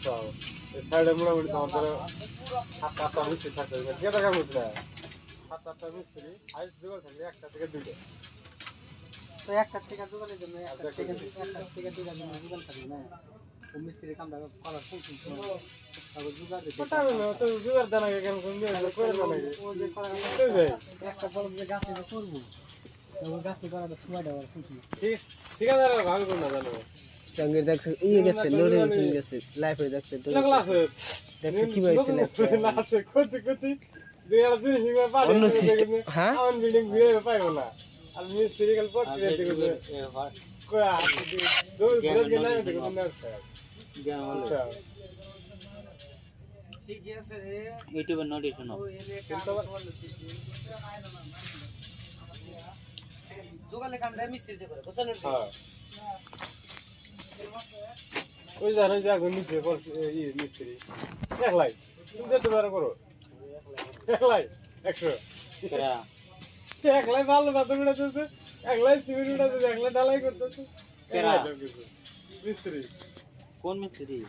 বুঝছাও সাইডে মোটামুটি তোমার ধরো 7-8টা মিস্ত্রি থাকতে হবে কে টাকা বুঝলে 7-8টা মিস্ত্রি হাইট জোগাড় থাকলে একটা থেকে দুইটা তো একটা থেকে দোকানের জন্য একটা থেকে দুইটা জন্য দোকান থাকবে না ও মিস্ত্রির কামটা করার ফুল তারপর জোগাড় দিতে ওটা না তো জোগাড় দেনা কেন কোন দিয়ে করে না নাকি ও যে করার একটা বড় যে গাছ করবো তো গাছ করাটা সময় দেওয়ার ফুল ঠিক ঠিক আছে ভাগ কোন না জানো টাঙ্গের দেখছে ইয়ে গেছে লোডে গেছে লাইফে দেখছে তো লাগলা আছে দেখছে কি হইছে না আছে কত কত দুই আর দিন হিমে পারে অন্য সিস্টেম হ্যাঁ আউন বিল্ডিং ঘুরে পাইবো না আর মিস্ত্রি কাল পট করে দিতে কই আর দো ঘুরে গেলে দেখো না স্যার ঠিক আছে রে ইউটিউবে নোটিফিকেশন ও এলে কাজ সিস্টেম জোগালে কামটা মিস্ত্রিতে করে বুঝছেন হ্যাঁ ওই জানো যে আগুন নিচে ই মিস্ত্রি একলাই তুমি যেতে পারো করো একলাই 100 কেরা একলাই ভালো না তুমি উঠাতেছে একলাই সিমেন্ট উঠাতেছে একলাই ঢালাই করতেছে কেরা? মিস্ত্রি কোন মিস্ত্রি